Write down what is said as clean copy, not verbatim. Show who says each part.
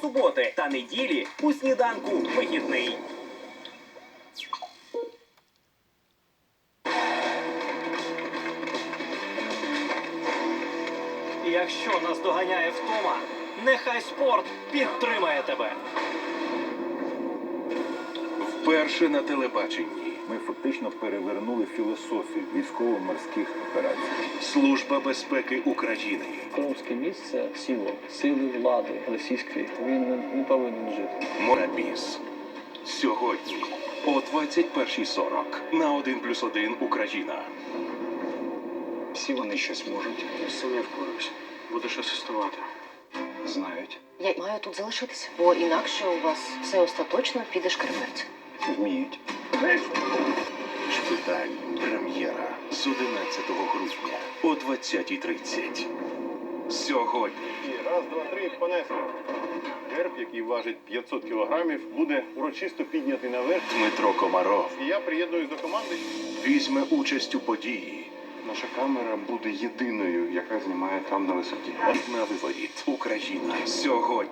Speaker 1: щосуботи та неділі у сніданку вихідний.
Speaker 2: Якщо нас доганяє втома, нехай спорт підтримає тебе.
Speaker 3: Вперше на телебаченні.
Speaker 4: Ми фактично перевернули філософію військово-морських операцій.
Speaker 3: Служба безпеки України.
Speaker 5: Кримське місце – сили влади російської. Він не повинен жити.
Speaker 3: Морабіз. Сьогодні о 21:40 на 1+1 Україна.
Speaker 6: Всі вони щось можуть.
Speaker 2: Я сам не впораюсь. Будеш асистувати.
Speaker 6: Знають.
Speaker 7: Я маю тут залишитися, бо інакше у вас все остаточно піде шкереберть.
Speaker 6: Вміють.
Speaker 3: Шпиталь. Прем'єра з 11 грудня о 20:30. Сьогодні.
Speaker 8: Раз, два, три, понесли. Герб, який важить 500 кілограмів, буде урочисто піднятий наверх.
Speaker 3: Дмитро Комаров
Speaker 8: І я приєднуюсь до команди.
Speaker 3: візьме участь у події.
Speaker 8: Наша камера буде єдиною, яка знімає там на висоті.
Speaker 3: На виворіт. Україна. Сьогодні.